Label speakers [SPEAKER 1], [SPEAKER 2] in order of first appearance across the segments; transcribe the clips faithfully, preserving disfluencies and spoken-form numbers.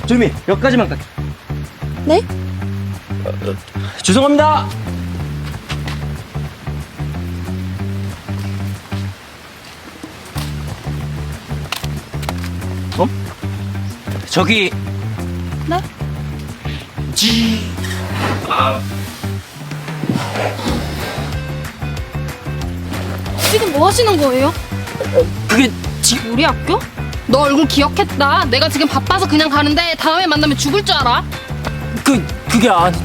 [SPEAKER 1] 조미 몇 가지만 딱.
[SPEAKER 2] 네?
[SPEAKER 1] 어, 어, 죄송합니다. 어? 저기.
[SPEAKER 2] 네?
[SPEAKER 1] 지. 아.
[SPEAKER 2] 지금 뭐 하시는 거예요?
[SPEAKER 1] 그게 지.
[SPEAKER 2] 우리 학교? 너 얼굴 기억했다. 내가 지금 바빠서 그냥 가는데 다음에 만나면 죽을 줄 알아.
[SPEAKER 1] 그 그게 아니.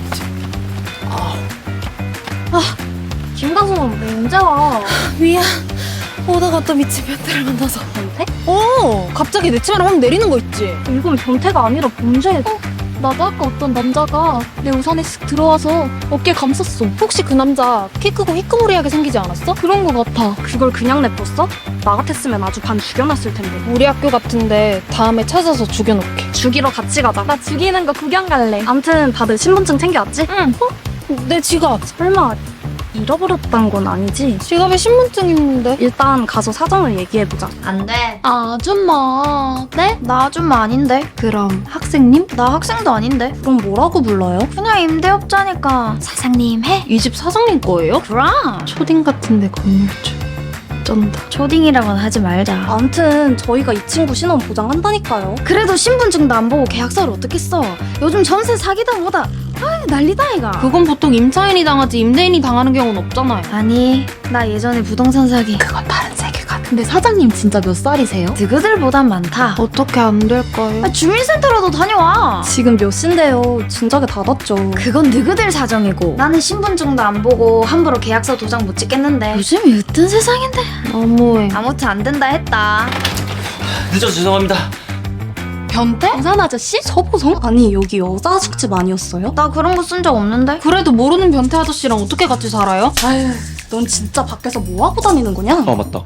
[SPEAKER 2] 김다솜, 너 언제 와? 미안. 오다가 또 미친 변태를 만나서. 변태? 어, 갑자기 내 치마를 확 내리는 거 있지? 이건 변태가 아니라 범죄. 어, 나도 아까 어떤 남자가 내 우산에 쓱 들어와서 어깨 감쌌어. 혹시 그 남자 키 크고 희끄무리하게 생기지 않았어? 그런 거 같아. 그걸 그냥 냅뒀어? 나 같았으면 아주 반 죽여놨을 텐데. 우리 학교 같은데 다음에 찾아서 죽여놓게. 죽이러 같이 가자. 나 죽이는 거 구경 갈래. 암튼 다들 신분증 챙겨왔지? 응. 어? 내 지갑. 설마 잃어버렸단 건 아니지? 지갑에 신분증 있는데. 일단 가서 사정을 얘기해보자.
[SPEAKER 3] 안 돼.
[SPEAKER 2] 아줌마.
[SPEAKER 3] 네? 나 아줌마 아닌데.
[SPEAKER 2] 그럼 학생님?
[SPEAKER 3] 나 학생도 아닌데.
[SPEAKER 2] 그럼 뭐라고 불러요?
[SPEAKER 3] 그냥 임대업자니까 사장님 해.
[SPEAKER 2] 이 집 사장님 거예요?
[SPEAKER 3] 그럼.
[SPEAKER 2] 초딩 같은데 건물주. 쩐다.
[SPEAKER 3] 초딩이라고는 하지 말자.
[SPEAKER 2] 암튼 저희가 이 친구 신원 보장한다니까요.
[SPEAKER 3] 그래도 신분증도 안 보고 계약서를 어떻게 써? 요즘 전세 사기다 뭐다. 아 난리다 이가.
[SPEAKER 2] 그건 보통 임차인이 당하지 임대인이 당하는 경우는 없잖아요.
[SPEAKER 3] 아니 나 예전에 부동산 사기.
[SPEAKER 2] 그건 다른 세계관. 근데 사장님 진짜 몇 살이세요?
[SPEAKER 3] 누구들보단 많다.
[SPEAKER 2] 어떻게 안 될까요?
[SPEAKER 3] 아, 주민센터라도 다녀와.
[SPEAKER 2] 지금 몇 시인데요. 진작에 닫았죠.
[SPEAKER 3] 그건 누구들 사정이고 나는 신분증도 안 보고 함부로 계약서 도장 못 찍겠는데 요즘이 어떤 세상인데.
[SPEAKER 2] 너무해.
[SPEAKER 3] 아무튼 안 된다 했다.
[SPEAKER 1] 늦어서 죄송합니다.
[SPEAKER 2] 변태? 우산 아저씨? 서보성? 아니 여기 여자 숙집 아니었어요?
[SPEAKER 3] 나 그런 거 쓴 적 없는데.
[SPEAKER 2] 그래도 모르는 변태 아저씨랑 어떻게 같이 살아요? 아유, 넌 진짜 밖에서 뭐 하고 다니는 거냐?
[SPEAKER 1] 어 맞다.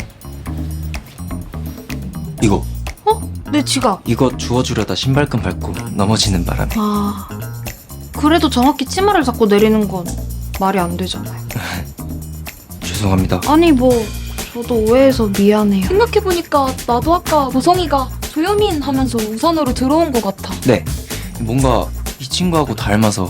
[SPEAKER 1] 이거
[SPEAKER 2] 내 지갑.
[SPEAKER 1] 이거 주워주려다 신발끈 밟고 넘어지는 바람에.
[SPEAKER 2] 아, 그래도 정확히 치마를 잡고 내리는 건 말이 안 되잖아요.
[SPEAKER 1] 죄송합니다.
[SPEAKER 2] 아니 뭐 저도 오해해서 미안해요. 생각해보니까 나도 아까 보성이가 조여민 하면서 우산으로 들어온 것 같아.
[SPEAKER 1] 네. 뭔가 이 친구하고 닮아서.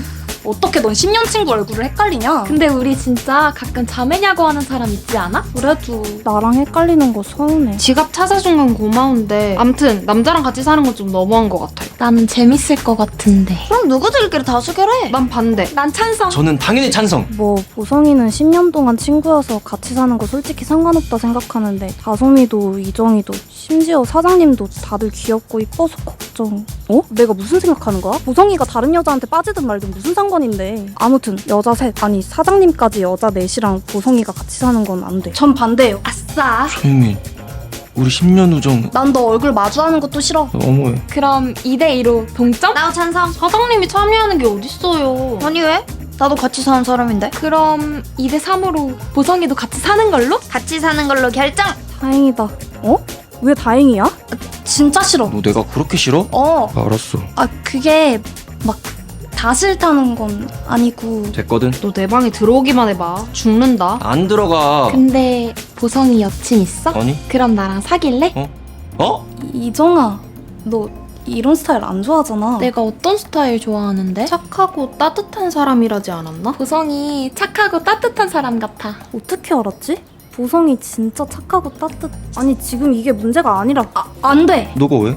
[SPEAKER 2] 어떻게 넌 십 년 친구 얼굴을 헷갈리냐? 근데 우리 진짜 가끔 자매냐고 하는 사람 있지 않아? 그래도 나랑 헷갈리는 거 서운해. 지갑 찾아준 건 고마운데 암튼 남자랑 같이 사는 건 좀 너무한 것 같아요. 나는 재밌을 것 같은데.
[SPEAKER 3] 그럼 누구들끼리 다수결해.
[SPEAKER 2] 난 반대. 난 찬성.
[SPEAKER 1] 저는 당연히 찬성.
[SPEAKER 4] 뭐 보성이는 십 년 동안 친구여서 같이 사는 거 솔직히 상관없다 생각하는데 다솜이도 이정이도 심지어 사장님도 다들 귀엽고 이뻐서 걱정. 어? 내가 무슨 생각하는 거야? 보성이가 다른 여자한테 빠지든 말든 무슨 상관인데. 아무튼 여자 셋 아니 사장님까지 여자 넷이랑 보성이가 같이 사는 건 안 돼. 전 반대요.
[SPEAKER 2] 아싸.
[SPEAKER 1] 조유민, 우리 십 년 우정
[SPEAKER 4] 난 너 얼굴 마주하는 것도 싫어.
[SPEAKER 1] 너무해.
[SPEAKER 2] 그럼 이 대 이로 동점?
[SPEAKER 3] 나도 찬성.
[SPEAKER 2] 사장님이 참여하는 게 어딨어요.
[SPEAKER 3] 아니 왜? 나도 같이 사는 사람인데.
[SPEAKER 2] 그럼 이 대 삼으로 보성이도 같이 사는 걸로?
[SPEAKER 3] 같이 사는 걸로 결정.
[SPEAKER 4] 다행이다. 어? 왜 다행이야? 진짜 싫어.
[SPEAKER 1] 너 내가 그렇게 싫어?
[SPEAKER 4] 어.
[SPEAKER 1] 알았어.
[SPEAKER 4] 아 그게 막 다 싫다는 건 아니고.
[SPEAKER 1] 됐거든.
[SPEAKER 2] 너 내 방에 들어오기만 해봐. 죽는다.
[SPEAKER 1] 안 들어가.
[SPEAKER 2] 근데 보성이 여친 있어?
[SPEAKER 1] 아니?
[SPEAKER 2] 그럼 나랑 사귈래?
[SPEAKER 1] 어?
[SPEAKER 4] 이정아, 너 이런 스타일 안 좋아하잖아.
[SPEAKER 2] 내가 어떤 스타일 좋아하는데? 착하고 따뜻한 사람이라지 않았나? 보성이 착하고 따뜻한 사람 같아.
[SPEAKER 4] 어떻게 알았지? 보성이 진짜 착하고 따뜻. 아니 지금 이게 문제가 아니라. 아, 안 돼.
[SPEAKER 1] 너가 왜?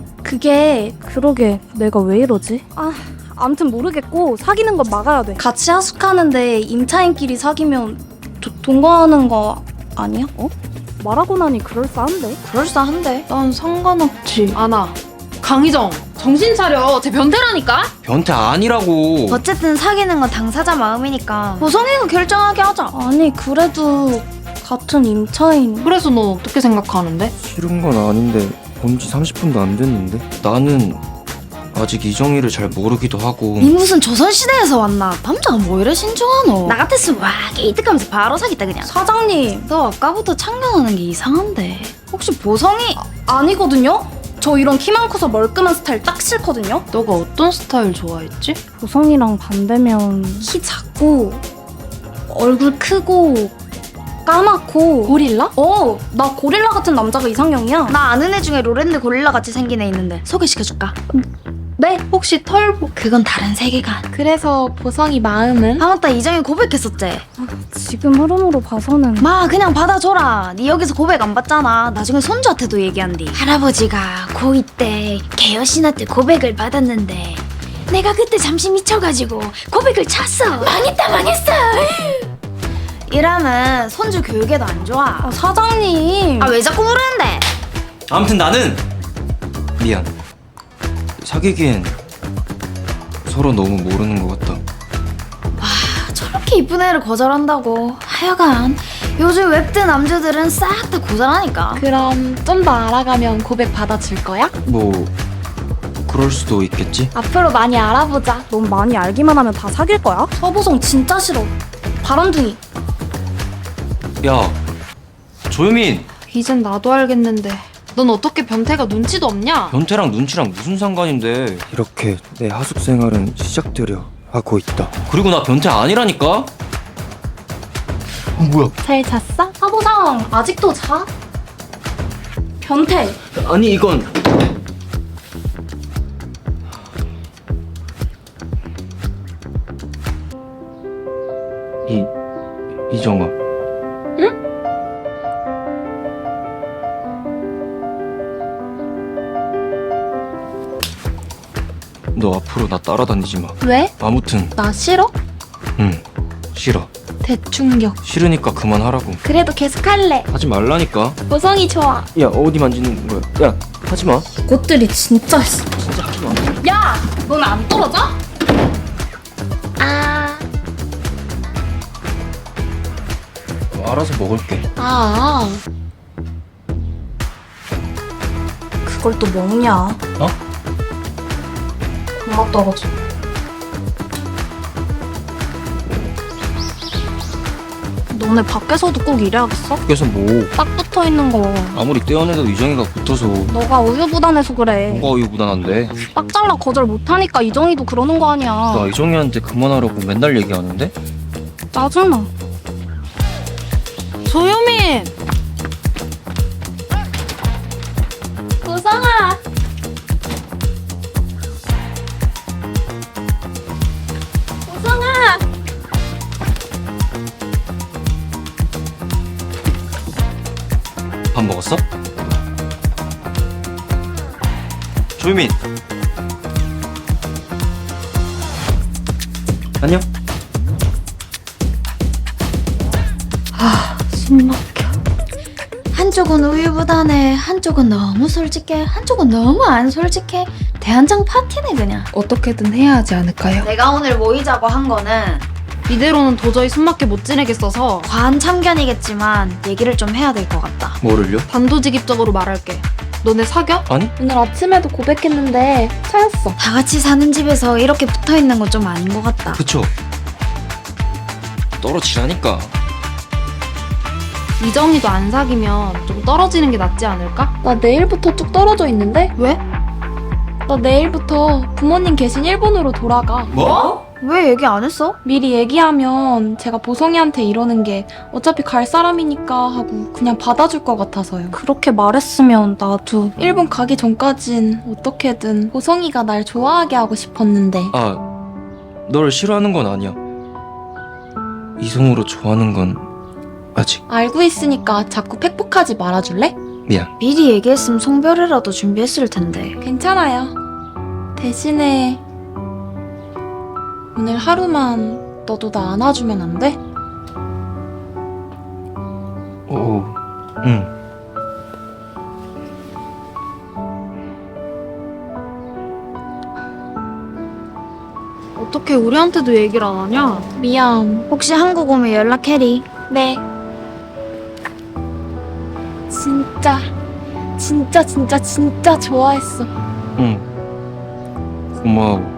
[SPEAKER 4] 그게 그러게 내가 왜 이러지? 아, 아무튼 모르겠고 사귀는 건 막아야 돼. 같이 하숙하는데 임차인끼리 사귀면 도, 동거하는 거 아니야? 어? 말하고 나니 그럴싸한데?
[SPEAKER 3] 그럴싸한데.
[SPEAKER 2] 난 상관없지. 아나, 강희정, 정신 차려. 쟤 변태라니까?
[SPEAKER 1] 변태 아니라고.
[SPEAKER 3] 어쨌든 사귀는 건 당사자 마음이니까 보성이가 결정하게 하자.
[SPEAKER 4] 아니 그래도 같은 임차인.
[SPEAKER 2] 그래서 넌 어떻게 생각하는데?
[SPEAKER 1] 싫은 건 아닌데 본 지 삼십 분도 안 됐는데. 나는 아직 이정희를 잘 모르기도 하고.
[SPEAKER 3] 니 무슨 조선시대에서 왔나? 남자가 뭐 이래 신중하노? 나 같았으면 와 게이득하면서 바로 사귀다 그냥.
[SPEAKER 4] 사장님,
[SPEAKER 3] 너 아까부터 참견하는 게 이상한데. 혹시 보성이?
[SPEAKER 4] 아니거든요? 저 이런 키만 커서 멀끔한 스타일 딱 싫거든요?
[SPEAKER 2] 너가 어떤 스타일 좋아했지?
[SPEAKER 4] 보성이랑 반대면 키 작고 얼굴 크고 까맣고.
[SPEAKER 2] 고릴라?
[SPEAKER 4] 어, 나 고릴라 같은 남자가 이상형이야.
[SPEAKER 3] 나 아는 애 중에 로랜드 고릴라 같이 생긴 애 있는데 소개시켜줄까?
[SPEAKER 2] 네, 혹시 털보.
[SPEAKER 3] 그건 다른 세계관.
[SPEAKER 2] 그래서 보성이 마음은?
[SPEAKER 3] 아 맞다, 이정이 고백했었지.
[SPEAKER 4] 지금 흐름으로 봐서는.
[SPEAKER 3] 마 그냥 받아줘라. 니 여기서 고백 안 받잖아. 나중에 손주한테도 얘기한디. 할아버지가 고이 때 개여신한테 고백을 받았는데 내가 그때 잠시 미쳐가지고 고백을 찼어. 망했다 망했어. 이러면 손주 교육에도 안 좋아.
[SPEAKER 4] 아, 사장님.
[SPEAKER 3] 아 왜 자꾸 모르는데?
[SPEAKER 1] 아무튼 나는 미안. 사귀기엔 서로 너무 모르는 것 같다.
[SPEAKER 3] 저렇게 이쁜 애를 거절한다고. 하여간 요즘 웹드 남자들은 싹 다 거절하니까.
[SPEAKER 2] 그럼 좀 더 알아가면 고백 받아줄 거야?
[SPEAKER 1] 뭐 그럴 수도 있겠지.
[SPEAKER 2] 앞으로 많이 알아보자.
[SPEAKER 4] 넌 많이 알기만 하면 다 사귈 거야? 서보성 진짜 싫어. 바람둥이.
[SPEAKER 1] 야, 조유민.
[SPEAKER 2] 이젠 나도 알겠는데 넌 어떻게 변태가 눈치도 없냐?
[SPEAKER 1] 변태랑 눈치랑 무슨 상관인데. 이렇게 내 하숙 생활은 시작되려 하고 있다. 그리고 나 변태 아니라니까. 어, 뭐야?
[SPEAKER 2] 잘 잤어?
[SPEAKER 4] 서보성 아직도 자? 변태.
[SPEAKER 1] 아니 이건 이 이정아.
[SPEAKER 2] 응?
[SPEAKER 1] 너 앞으로 나 따라다니지 마.
[SPEAKER 2] 왜?
[SPEAKER 1] 아무튼
[SPEAKER 2] 나 싫어?
[SPEAKER 1] 응 싫어.
[SPEAKER 2] 대충격.
[SPEAKER 1] 싫으니까 그만하라고.
[SPEAKER 2] 그래도 계속 할래.
[SPEAKER 1] 하지 말라니까.
[SPEAKER 2] 보성이 좋아.
[SPEAKER 1] 야 어디 만지는 거야? 야 하지 마.
[SPEAKER 4] 꽃들이 진짜 했어.
[SPEAKER 1] 진짜 하지 마.
[SPEAKER 4] 야, 넌 안 떨어져?
[SPEAKER 2] 아,
[SPEAKER 1] 알아서 먹을게.
[SPEAKER 2] 아,
[SPEAKER 4] 그걸 또 먹냐?
[SPEAKER 1] 어?
[SPEAKER 4] 금방 떨어져. 너네 밖에서도 꼭 이래야겠어?
[SPEAKER 1] 그래서 뭐
[SPEAKER 4] 딱 붙어 있는 거.
[SPEAKER 1] 아무리 떼어내도 이정이가 붙어서
[SPEAKER 4] 너가 우유부단해서 그래.
[SPEAKER 1] 뭐가 우유부단한데.
[SPEAKER 4] 딱 잘라 거절 못하니까 이정이도 그러는 거 아니야.
[SPEAKER 1] 나 이정이한테 그만하라고 맨날 얘기하는데.
[SPEAKER 4] 짜증나.
[SPEAKER 2] 조유민. 보성아. 보성아.
[SPEAKER 1] 밥 먹었어? 조유민. 안녕.
[SPEAKER 4] 숨막혀.
[SPEAKER 3] 한쪽은 우유부단해, 한쪽은 너무 솔직해, 한쪽은 너무 안 솔직해. 대한장 파티네 그냥.
[SPEAKER 2] 어떻게든 해야 하지 않을까요?
[SPEAKER 3] 내가 오늘 모이자고 한 거는
[SPEAKER 2] 이대로는 도저히 숨막혀 못 지내겠어서
[SPEAKER 3] 과한 참견이겠지만 얘기를 좀 해야 될 것 같다.
[SPEAKER 1] 뭐를요?
[SPEAKER 2] 단도직입적으로 말할게. 너네 사겨?
[SPEAKER 1] 아니?
[SPEAKER 2] 오늘 아침에도 고백했는데 차였어.
[SPEAKER 3] 다 같이 사는 집에서 이렇게 붙어 있는 건 좀 아닌 것 같다.
[SPEAKER 1] 그쵸? 떨어지라니까.
[SPEAKER 2] 이정이도 안 사귀면 좀 떨어지는 게 낫지 않을까? 나 내일부터 쭉 떨어져 있는데? 왜? 나 내일부터 부모님 계신 일본으로 돌아가.
[SPEAKER 1] 뭐?
[SPEAKER 3] 왜 얘기 안 했어?
[SPEAKER 2] 미리 얘기하면 제가 보성이한테 이러는 게 어차피 갈 사람이니까 하고 그냥 받아줄 것 같아서요.
[SPEAKER 4] 그렇게 말했으면 나도.
[SPEAKER 2] 일본 가기 전까진 어떻게든 보성이가 날 좋아하게 하고 싶었는데
[SPEAKER 1] 아, 널 싫어하는 건 아니야. 이성으로 좋아하는 건 아직.
[SPEAKER 2] 알고 있으니까 자꾸 팩폭하지 말아줄래?
[SPEAKER 1] 미안.
[SPEAKER 3] 미리 얘기했으면 송별회라도 준비했을 텐데.
[SPEAKER 2] 괜찮아요. 대신에 오늘 하루만 너도 나 안아주면 안 돼?
[SPEAKER 1] 오, 응.
[SPEAKER 2] 어떻게 우리한테도 얘기를 안 하냐? 미안.
[SPEAKER 3] 혹시 한국 오면 연락해리.
[SPEAKER 2] 네. 진짜, 진짜, 진짜, 진짜 좋아했어.
[SPEAKER 1] 응. 고마워.